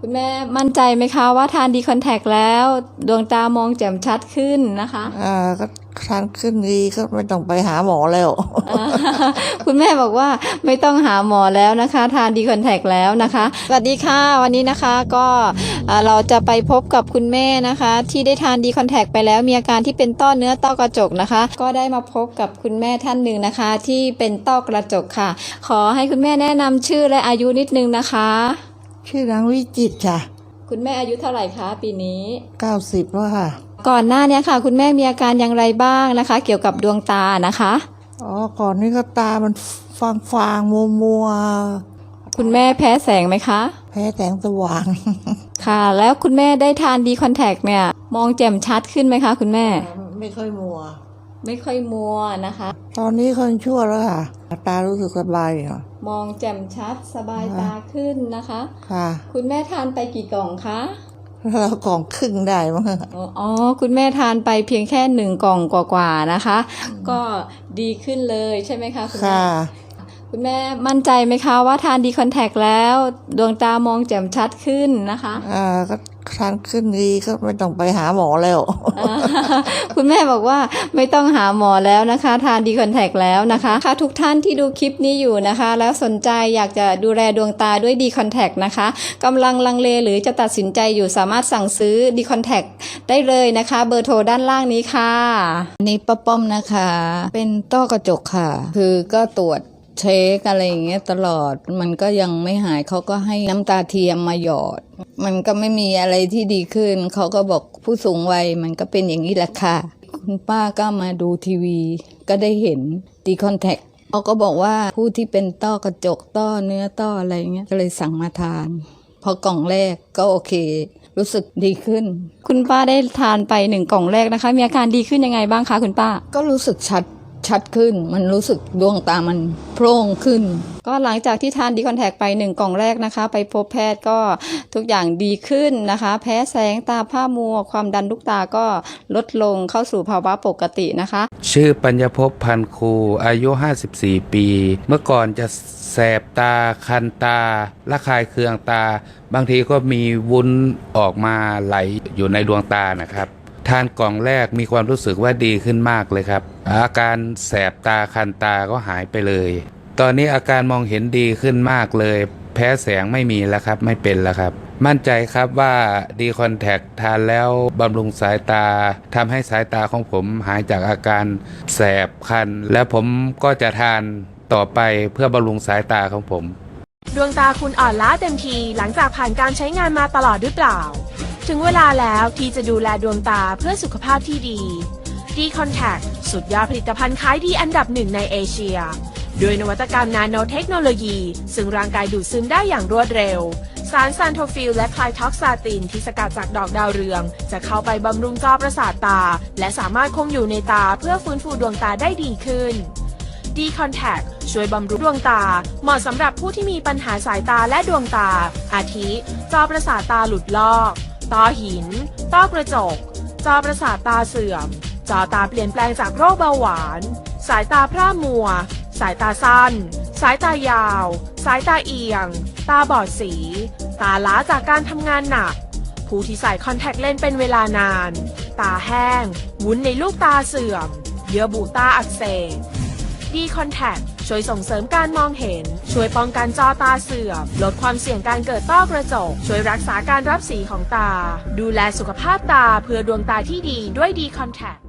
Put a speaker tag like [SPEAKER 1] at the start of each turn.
[SPEAKER 1] คุณแม่มั่นใจไหมคะว่าทานดีคอนแทคแล้วดวงตามองแจ่มชัดขึ้นนะคะ
[SPEAKER 2] ก็ทานขึ้นดีก็ไม่ต้องไปหาหมอแล้ว
[SPEAKER 1] คุณแม่บอกว่าไม่ต้องหาหมอแล้วนะคะทานดีคอนแทคแล้วนะคะสวัสดีค่ะวันนี้นะคะก็เราจะไปพบกับคุณแม่นะคะที่ได้ทานดีคอนแทคไปแล้วมีอาการที่เป็นต้อเนื้อต้อกระจกนะคะก็ได้มาพบกับคุณแม่ท่านหนึ่งนะคะที่เป็นต้อกระจกค่ะขอให้คุณแม่แนะนำชื่อและอายุนิดนึงนะคะ
[SPEAKER 2] ชื่อนางวิจิตรค่ะ
[SPEAKER 1] คุณแม่อายุเท่าไหร่คะปีนี้
[SPEAKER 2] 90แล้วค่ะ
[SPEAKER 1] ก่อนหน้านี้ค่ะคุณแม่มีอาการอย่างไรบ้างนะคะเกี่ยวกับดวงตานะคะ
[SPEAKER 2] ก่อนนี้ก็ตามันฟางมัว
[SPEAKER 1] คุณแม่แพ้แสงไหมคะ
[SPEAKER 2] แพ้แสงสว่าง
[SPEAKER 1] ค่ะแล้วคุณแม่ได้ทานดีคอนแทคเนี่ยมองแจ่มชัดขึ้นไหมคะคุณแม่
[SPEAKER 2] ไม่ค่อยมัว
[SPEAKER 1] นะคะ
[SPEAKER 2] ตอนนี้คนชั่วแล้วค่ะตารู้สึกสบายค่ะ
[SPEAKER 1] มองแจ่มชัดสบายตาขึ้นนะคะ
[SPEAKER 2] ค่ะ
[SPEAKER 1] คุณแม่ทานไปกี่กล่องคะ
[SPEAKER 2] แล้วกล่องครึ่งได้มั้ง
[SPEAKER 1] คุณแม่ทานไปเพียงแค่1 กล่องกว่าๆนะคะก็ดีขึ้นเลยใช่ไหมคะคุณแม่คุณแม่มั่นใจไหมคะว่าทานดีคอนแทคแล้วดวงตามองแจ่มชัดขึ้นนะคะ
[SPEAKER 2] ก็ทานขึ้นดีก็ไม่ต้องไปหาหมอแล้ว
[SPEAKER 1] คุณแม่บอกว่าไม่ต้องหาหมอแล้วนะคะทานดีคอนแทคแล้วนะคะค่ะทุกท่านที่ดูคลิปนี้อยู่นะคะแล้วสนใจอยากจะดูแลดวงตาด้วยดีคอนแทคนะคะกำลังลังเลหรือจะตัดสินใจอยู่สามารถสั่งซื้อดีคอนแทคได้เลยนะคะเบอร์โทรด้านล่างนี้ค่ะ
[SPEAKER 3] นี่ป้าป้อมนะคะเป็นต้อกระจกค่ะคือก็ตรวจเช็คอะไรอย่างเงี้ยตลอดมันก็ยังไม่หายเขาก็ให้น้ำตาเทียมมาหยอดมันก็ไม่มีอะไรที่ดีขึ้นเขาก็บอกผู้สูงวัยมันก็เป็นอย่างนี้แหละค่ะคุณป้าก็มาดูทีวีก็ได้เห็นดีคอนแทคเขาก็บอกว่าผู้ที่เป็นต้อกระจกต้อเนื้อต้ออะไรเงี้ยก็เลยสั่งมาทานพอกล่องแรกก็โอเครู้สึกดีขึ้น
[SPEAKER 1] คุณป้าได้ทานไป1 กล่องแรกนะคะมีอาการดีขึ้นยังไงบ้างคะคุณป้า
[SPEAKER 3] ก็รู้สึกชัดขึ้นมันรู้สึกดวงตามันโพร่งขึ้น
[SPEAKER 1] ก็หลังจากที่ทานดีคอนแทคไป1 กล่องแรกนะคะไปพบแพทย์ก็ทุกอย่างดีขึ้นนะคะแพ้แสงตาผ้ามัวความดันลูกตาก็ลดลงเข้าสู่ภาวะปกตินะคะ
[SPEAKER 4] ชื่อปัญญภพพันครูอายุ54 ปีเมื่อก่อนจะแสบตาคันตาระคายเคืองตาบางทีก็มีวุ้นออกมาไหลอยู่ในดวงตานะครับทานกล่องแรกมีความรู้สึกว่าดีขึ้นมากเลยครับอาการแสบตาคันตาก็หายไปเลยตอนนี้อาการมองเห็นดีขึ้นมากเลยแพ้แสงไม่มีแล้วครับไม่เป็นแล้วครับมั่นใจครับว่าดีคอนแทคทานแล้วบำรุงสายตาทำให้สายตาของผมหายจากอาการแสบคันและผมก็จะทานต่อไปเพื่อบำรุงสายตาของผม
[SPEAKER 5] ดวงตาคุณอ่อนล้าเต็มทีหลังจากผ่านการใช้งานมาตลอดหรือเปล่าถึงเวลาแล้วที่จะดูแลดวงตาเพื่อสุขภาพที่ดีดีคอนแทคสุดยอดผลิตภัณฑ์ขายดีอันดับ1ในเอเชียด้วยนวัตกรรมนาโนเทคโนโลยีซึ่งร่างกายดูดซึมได้อย่างรวดเร็วสารซานโทฟิลและไคลท็อกซาตินที่สกัดจากดอกดาวเรืองจะเข้าไปบำรุงจอประสาทตาและสามารถคงอยู่ในตาเพื่อฟื้นฟูดวงตาได้ดีขึ้นดีคอนแทคช่วยบำรุงดวงตาเหมาะสำหรับผู้ที่มีปัญหาสายตาและดวงตาอาทิจอประสาทตาหลุดลอกต้อหินต้อกระจกจอประสาทตาเสื่อมจอตาเปลี่ยนแปลงจากโรคเบาหวานสายตาพร่ามัวสายตาสั้นสายตายาวสายตาเอียงตาบอดสีตาล้าจากการทำงานหนักผู้ที่ใส่คอนแทคเลนส์เป็นเวลานานตาแห้งวุ้นในลูกตาเสื่อมเยื่อบุตาอักเสบดีคอนแทคช่วยส่งเสริมการมองเห็นช่วยป้องกันจอตาเสื่อมลดความเสี่ยงการเกิดต้อกระจกช่วยรักษาการรับสีของตาดูแลสุขภาพตาเพื่อดวงตาที่ดีด้วยดีคอนแทค